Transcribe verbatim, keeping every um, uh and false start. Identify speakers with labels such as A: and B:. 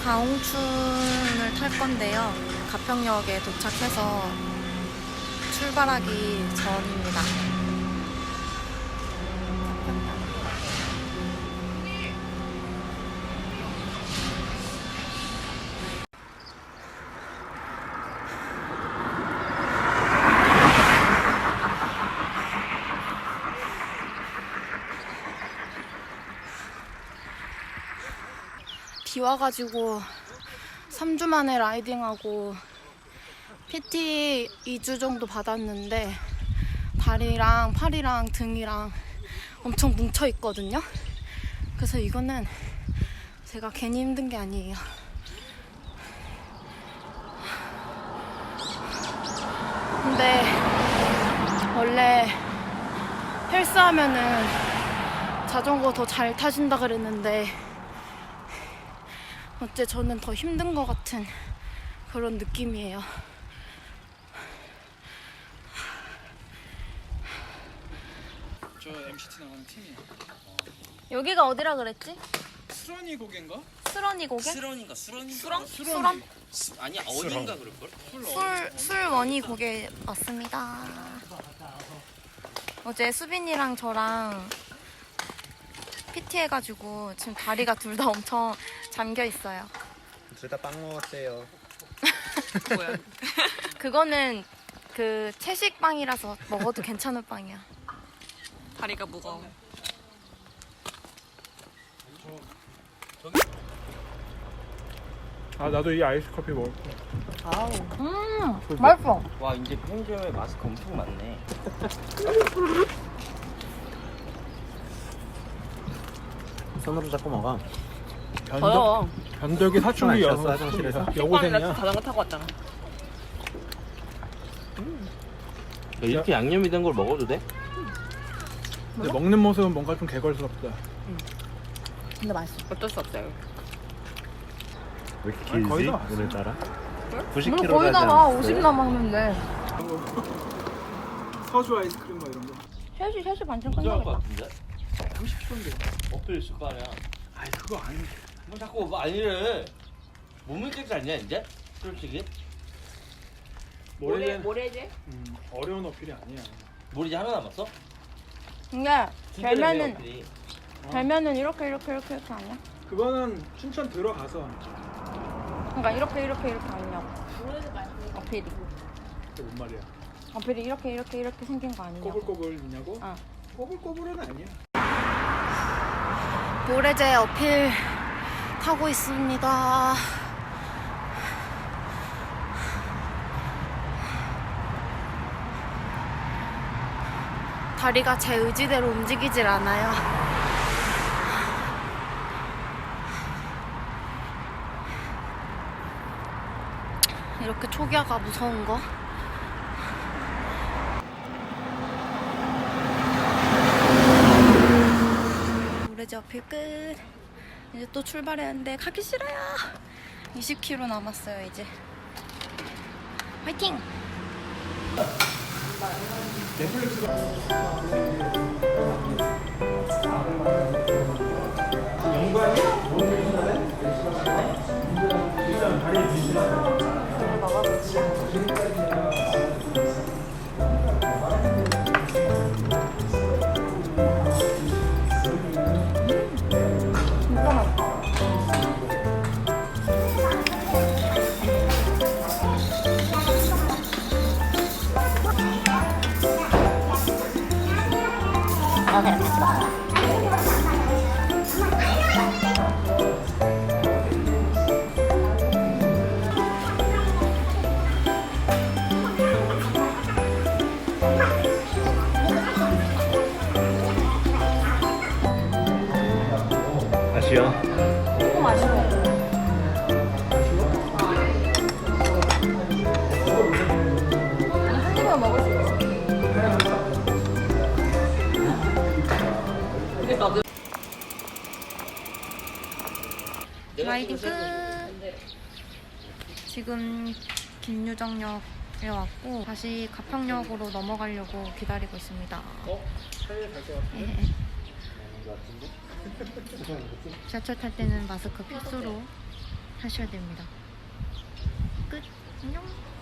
A: 가홍춘을 탈 건데요. 가평역에 도착해서 출발하기 전입니다. 비 와가지고 삼 주 만에 라이딩하고 피티 이 주 정도 받았는데 다리랑 팔이랑 등이랑 엄청 뭉쳐 있거든요. 그래서 이거는 제가 괜히 힘든 게 아니에요. 근데 원래 헬스하면은 자전거 더 잘 타신다 그랬는데 어째 저는 더 힘든 것 같은 그런 느낌이에요.
B: 저 엠시티 나가는 팀이에요.
A: 여기가 어디라 그랬지?
B: 수런이 고개인가?
A: 수런이 고개?
C: 수런인가 수런인가?
A: 수런?
B: 수런이.
A: 수런?
C: 수, 아니야 어딘가 그럴걸?
A: 술, 술원이 고개 왔습니다. 어제 수빈이랑 저랑 피티 해가지고 지금 다리가 둘 다 엄청 잠겨 있어요.
D: 둘 다 빵 먹었대요.
A: 뭐야? 그거는 그 채식빵이라서 먹어도 괜찮은 빵이야.
E: 다리가 무거워.
B: 아 나도 이 아이스 커피 먹을 거야.
A: 아우. 음, 맛있어.
C: 와 이제 편의점에 마스크 엄청 많네.
D: 손으로 잡고 먹어.
B: 변덕, 변덕이 사춘기 여,
D: 셨어 화장실에서?
B: 여고생이야.
E: 자전거 타고 왔잖아.
C: 이렇게 양념이 된 걸 먹어도 돼?
B: 근데 먹는 모습은 뭔가 좀 개걸스럽다.
A: 근데 맛있어.
E: 어쩔 수 없어요.
D: 왜 이렇게
B: 아니, 거의
D: 길지?
B: 다 왔어.
D: 오늘따라?
A: 물
D: 구십
A: 거의
D: 킬로그램
A: 다 와. 오십 남았는데.
B: 서주 아이스크림 뭐 이런 거.
A: 셋시, 셋시 반쯤
C: 괜찮을 것
A: 끝나겠다.
C: 같은데?
B: 삼십 킬로그램인데.
C: 어필 있을 거 아니야.
B: 아이 그거 아니.
C: 뭐 자꾸 뭐 아니래. 몸을 깨지 않냐 이제? 솔직히
B: 모래
E: 모래제?
B: 음, 어려운 어필이 아니야.
C: 뭘 이제 하나 남았어?
A: 근데
C: 두 개를 해,
A: 별면은
C: 어필이.
A: 별면은 이렇게 이렇게 이렇게 이렇게 아니야?
B: 그거는 춘천 들어가서
A: 그러니까 이렇게 이렇게 이렇게 아니냐고. 어필이.
B: 그게 뭔 말이야.
A: 어필이 이렇게 이렇게 이렇게 생긴 거 아니냐고.
B: 꼬불꼬불이냐고?
A: 어.
B: 꼬불꼬불은 아니야.
A: 모래제 어필 타고 있습니다. 다리가 제 의지대로 움직이질 않아요. 이렇게 초기화가 무서운 거. 모래제 어필 끝. 이제 또 출발해야 하는데 가기 싫어요. 이십 킬로미터 남았어요 이제. 화이팅!
D: 아쉬워.
A: 조금 아쉬워. 한 입만 먹을 수 있어. 라이딩 끝. 지금 김유정역에 왔고 다시 가평역으로 넘어가려고 기다리고 있습니다.
B: 어? 차에 갈것 같은데?
A: 예. 지하철 탈 때는 마스크 필수로. 하셔야 됩니다. 끝. 안녕.